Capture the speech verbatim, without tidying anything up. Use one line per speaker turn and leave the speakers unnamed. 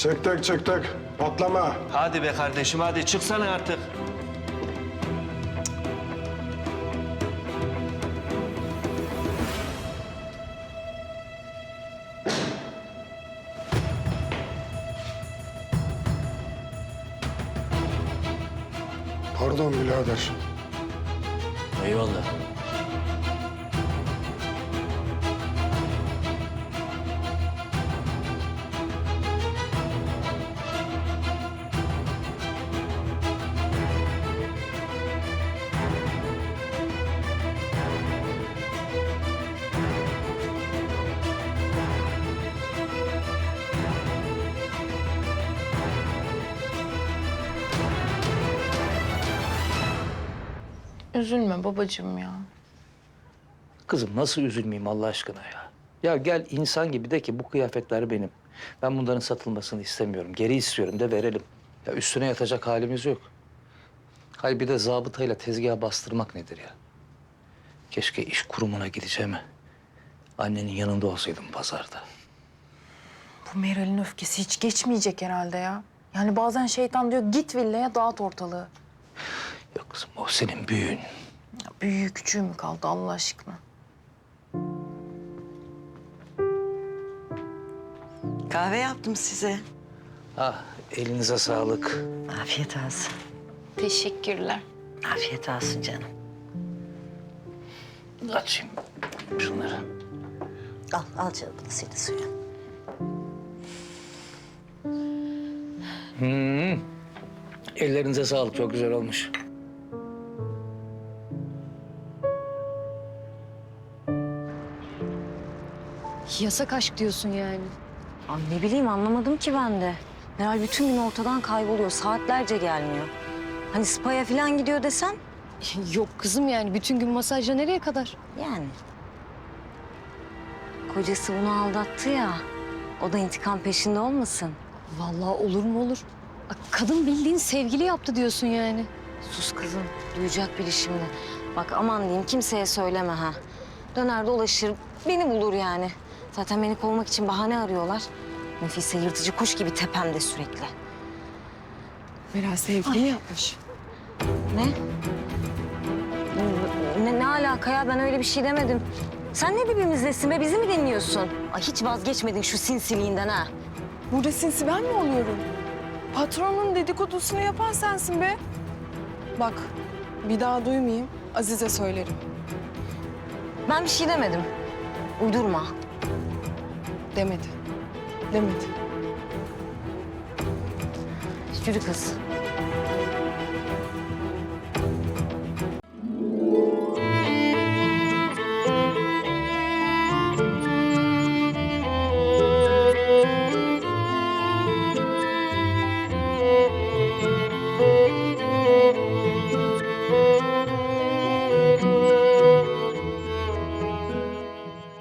Çıktık çıktık. Patlama.
Hadi be kardeşim, hadi çıksana artık.
Pardon birader.
Eyvallah.
Üzülme babacığım ya.
Kızım nasıl üzülmeyeyim Allah aşkına ya? Ya gel insan gibi de ki bu kıyafetler benim. Ben bunların satılmasını istemiyorum. Geri istiyorum de verelim. Ya üstüne yatacak halimiz yok. Hayır bir de zabıtayla tezgaha bastırmak nedir ya? Keşke iş kurumuna gideceğime annenin yanında olsaydım pazarda.
Bu Meral'in öfkesi hiç geçmeyecek herhalde ya. Yani bazen şeytan diyor git villaya dağıt ortalığı.
Yok kızım o senin büyüğün.
Ya büyüğü küçüğü mü kaldı Allah aşkına?
Kahve yaptım size.
Ah elinize sağlık.
Afiyet olsun.
Teşekkürler.
Afiyet olsun canım.
Açayım şunları.
Al, al canım bunu senin suyun.
Hmm. Ellerinize sağlık çok güzel olmuş.
Yasak aşk diyorsun yani.
Ay ne bileyim anlamadım ki ben de. Meral bütün gün ortadan kayboluyor. Saatlerce gelmiyor. Hani spa'ya falan gidiyor desen
Yok kızım yani bütün gün masajla nereye kadar?
yani. Kocası bunu aldattı ya. O da intikam peşinde olmasın.
Vallahi olur mu olur. Bak, kadın bildiğin sevgili yaptı diyorsun yani.
Sus kızım. Duyacak biri şimdi. Bak aman diyeyim kimseye söyleme ha. Döner dolaşır beni bulur yani. Zaten beni kovmak için bahane arıyorlar. Nefise yırtıcı kuş gibi tepemde sürekli.
Meral sevgili mi yapmış?
Ne? Ne, ne alaka ya? Ben öyle bir şey demedim. Sen ne dibimizdesin be? Bizi mi dinliyorsun? Ay hiç vazgeçmedin şu sinsiliğinden ha.
Burada sinsi ben mi oluyorum? Patronun dedikodusunu yapan sensin be. Bak, bir daha duymayayım, Azize söylerim.
Ben bir şey demedim. Uydurma.
Demedi. Demedi.
Yürü kız.